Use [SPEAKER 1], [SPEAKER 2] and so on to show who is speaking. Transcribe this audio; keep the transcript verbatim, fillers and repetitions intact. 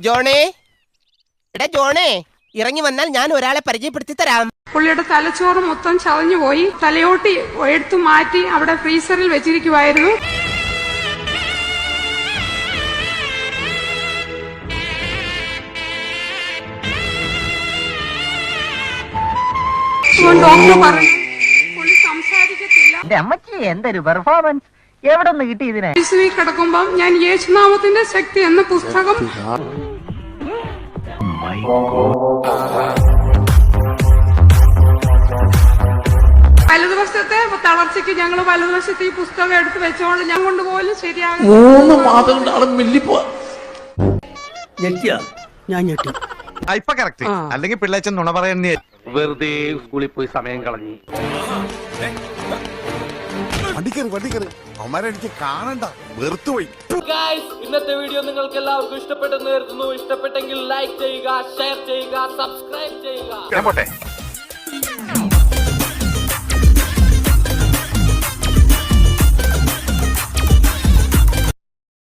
[SPEAKER 1] ജോണേ, എടാ ജോണേ, ഇറങ്ങി വന്നാൽ ഞാൻ ഒരാളെ പരിചയപ്പെടുത്തി തരാം.
[SPEAKER 2] പുള്ളിയുടെ തലച്ചോറ് മൊത്തം ചതഞ്ഞു പോയി. തലയോട്ടി എടുത്തു മാറ്റി അവിടെ ഫ്രീസറിൽ വെച്ചിരിക്കുവായിരുന്നു. ഡോക്ടർ പറഞ്ഞു പുള്ളി സംസാരിക്കത്തില്ല.
[SPEAKER 3] എന്തൊരു പെർഫോമൻസ്, എവിടെ നിന്ന് കിട്ടി ഇതിനെ?
[SPEAKER 2] കിടക്കുമ്പം ഞാൻ യേശുനാമത്തിന്റെ ശക്തി എന്ന പുസ്തകം വലതുവശത്തെ തളർച്ചയ്ക്ക് ഞങ്ങൾ വലതുവശത്ത് ഈ പുസ്തകം എടുത്ത് വെച്ചോണ്ട് ഞാൻ കൊണ്ടുപോലും ശരിയാകും.
[SPEAKER 4] മൂന്ന് മാസം കൊണ്ട് ആളെ മെല്ലിപ്പോ
[SPEAKER 5] ഞാൻ ഞെട്ടി.
[SPEAKER 6] ഇപ്പൊ കറക്റ്റ്, അല്ലെങ്കിൽ പിള്ളേച്ചൻ നുണ പറയുന്നേ.
[SPEAKER 7] വെറുതെ സ്കൂളിൽ പോയി സമയം കളഞ്ഞു.
[SPEAKER 6] വണ്ടിക്കറി വണ്ടിക്കറി അവന്മാരെ എനിക്ക് കാണണ്ട, വെറുത്തുപോയി.
[SPEAKER 8] ഇന്നത്തെ വീഡിയോ നിങ്ങൾക്ക് എല്ലാവർക്കും ഇഷ്ടപ്പെട്ടെന്ന് കരുതുന്നു. ഇഷ്ടപ്പെട്ടെങ്കിൽ ലൈക്ക് ചെയ്യുക, ഷെയർ ചെയ്യുക, സബ്സ്ക്രൈബ് ചെയ്യുക.
[SPEAKER 6] പോട്ടെ.